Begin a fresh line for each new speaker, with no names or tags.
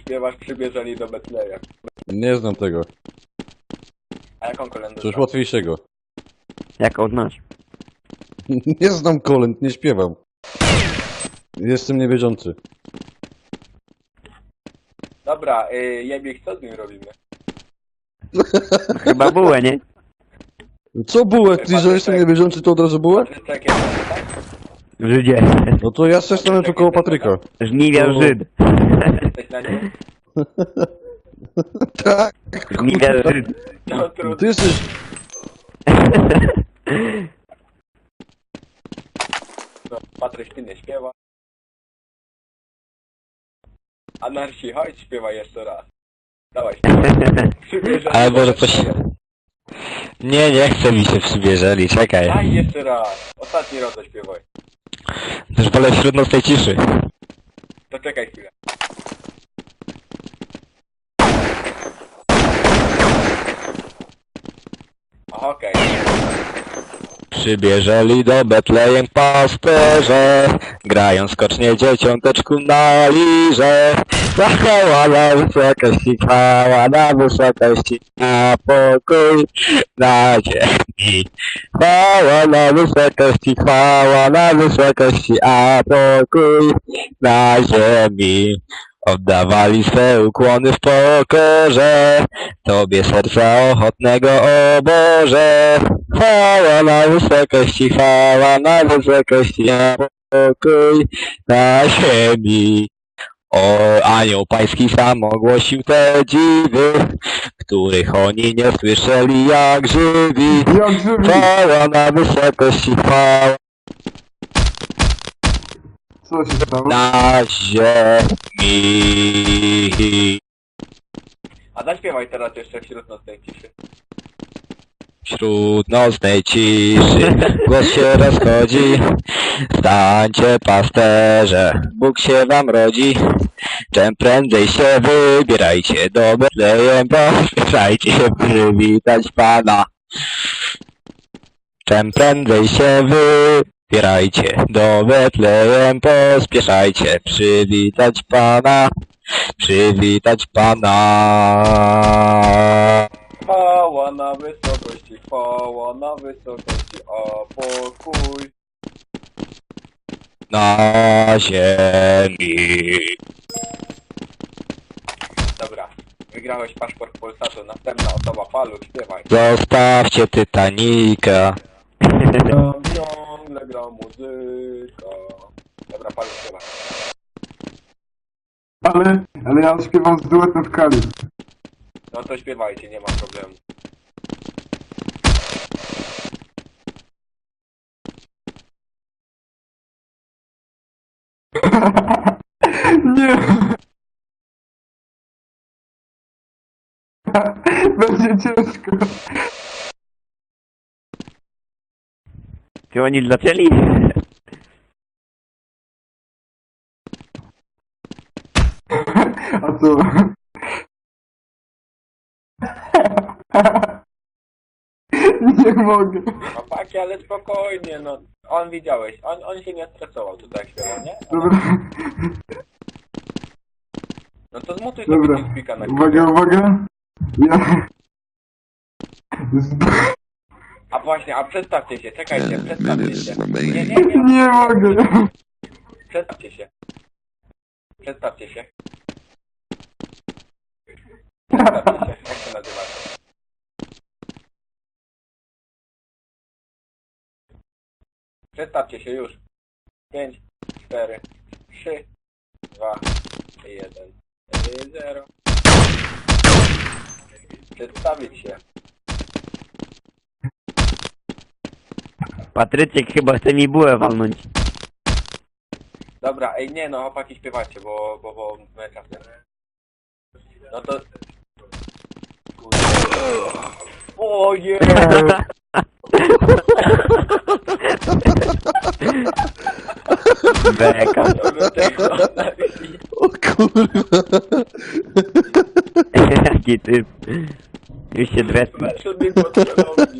Śpiewasz przybierzeli do Betleja.
Nie znam tego.
A jaką kolędę
Coś
znasz?
łatwiejszego.
Jak odnasz?
Nie znam kolęd, nie śpiewam. Jestem niewierzący.
Dobra, Jebiek, co z nim robimy?
Chyba bułę, nie?
Co bułę? Ty, że jestem niewierzący, to od razu bułę?
Patryczek jest, tak?
Żydzie.
No to ja se stanę tu koło Patryka.
Żniwiarz
No.
Żyd.
Jesteś na nim?
Tak.
Żniwiarz Żyd.
No trudno.
Ty jesteś...
Patryś, ty nie śpiewa. Anarchii, chodź, śpiewaj jeszcze raz. Dawaj, śpiewaj. Przybierzeli
Ale
do
może coś...
Betleja.
Nie chce mi się przybierzeli, czekaj.
Daj jeszcze raz. Ostatni raz zaśpiewaj.
Już wolę wśród nocnej ciszy.
To czekaj chwilę. Okej.
Przybierzeli do Betlejem pasterze, grają skocznie dzieciąteczku na lirze. Chwała na wysokości, chwała na wysokości, a pokój na ziemi. Chwała na wysokości, chwała na wysokości, a pokój na ziemi. Oddawali swe ukłony w pokorze, Tobie serca ochotnego, o Boże. Chwała na wysokości, chwała na wysokości, a pokój na ziemi. O, anioł pański sam ogłosił te dziwy, których oni nie słyszeli jak żywi. Chwała na wysokości, chwała
Co się stało?
na ziemi.
A zaśpiewaj teraz jeszcze wśród nocnej ciszy.
Wśród nocnej ciszy głos się rozchodzi. Stańcie pasterze, Bóg się wam rodzi. Czym prędzej się wybierajcie do Betlejem, pośpieszajcie się przywitać Pana. Czym prędzej się wybierajcie do Betlejem, pospieszajcie przywitać Pana. Przywitać Pana.
Chwała na wysokości, chwała na wysokości, a pokój.
Na ziemi.
Dobra, wygrałeś paszport Polsatu, następna osoba, Paluch, śpiewaj.
Zostawcie Titanica.
Tam ciągle gra muzyka. Dobra, Paluch, śpiewaj.
Ale ja śpiewam z duetem w Kali.
No to śpiewajcie, nie ma problemu.
Nie! Będzie ciężko.
Czy oni zaczęli?
A co? Nie mogę.
Chłopaki, ale spokojnie, no. On widziałeś, on się nie stresował tutaj jak śpiewał, nie?
Dobra,
No to zmutuj sobie
dobra.
TeamSpeaka na
Uwaga,
chwilę.
uwaga. Ja...
A właśnie, a przedstawcie się, czekajcie, przedstawcie się. Nie, nie, nie,
Nie mogę.
przedstawcie się. Przedstawcie się. Przedstawcie się, jak się nazywacie? Przedstawcie się już. 5, 4, 3, 2, 1, 0. Przedstawić się.
Patryczek chyba chce mi bułę walnąć.
Dobra, ej nie no, chłopaki śpiewacie, bo my czasem. No to... Kurde. Ojej!
Beka.
O kurwa.
Jaki typ. Już się dresny.
Meczu mi potrzebował.